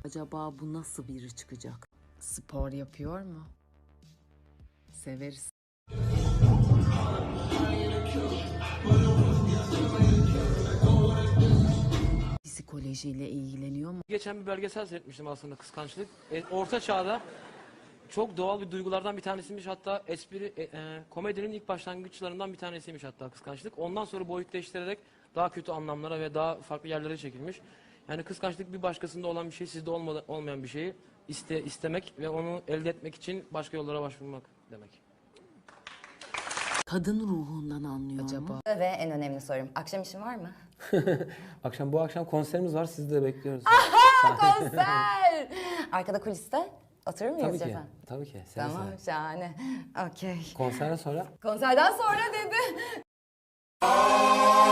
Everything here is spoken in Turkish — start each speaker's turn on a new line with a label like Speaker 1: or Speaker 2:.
Speaker 1: Acaba bu nasıl biri çıkacak? Spor yapıyor mu? Severiz. Psikolojiyle ilgileniyor mu?
Speaker 2: Geçen bir belgesel seyretmiştim aslında, kıskançlık. Orta çağda çok doğal bir duygulardan bir tanesiymiş, hatta komedinin ilk başlangıçlarından bir tanesiymiş hatta kıskançlık. Ondan sonra boyutleştirerek daha kötü anlamlara ve daha farklı yerlere çekilmiş. Yani kıskançlık bir başkasında olan bir şey, sizde olmayan bir şeyi istemek ve onu elde etmek için başka yollara başvurmak demek.
Speaker 1: Kadın ruhundan anlıyor mu?
Speaker 3: Ve en önemli sorum, akşam işin var mı?
Speaker 4: Bu akşam konserimiz var, sizi de bekliyoruz.
Speaker 3: Konser! Arkada kuliste oturur muyuz
Speaker 4: Tabii ki,
Speaker 3: efendim?
Speaker 4: tabii ki. Seve
Speaker 3: Tamam,
Speaker 4: seve.
Speaker 3: şahane. Okey.
Speaker 4: Konserden sonra
Speaker 3: Konserden sonra dedi.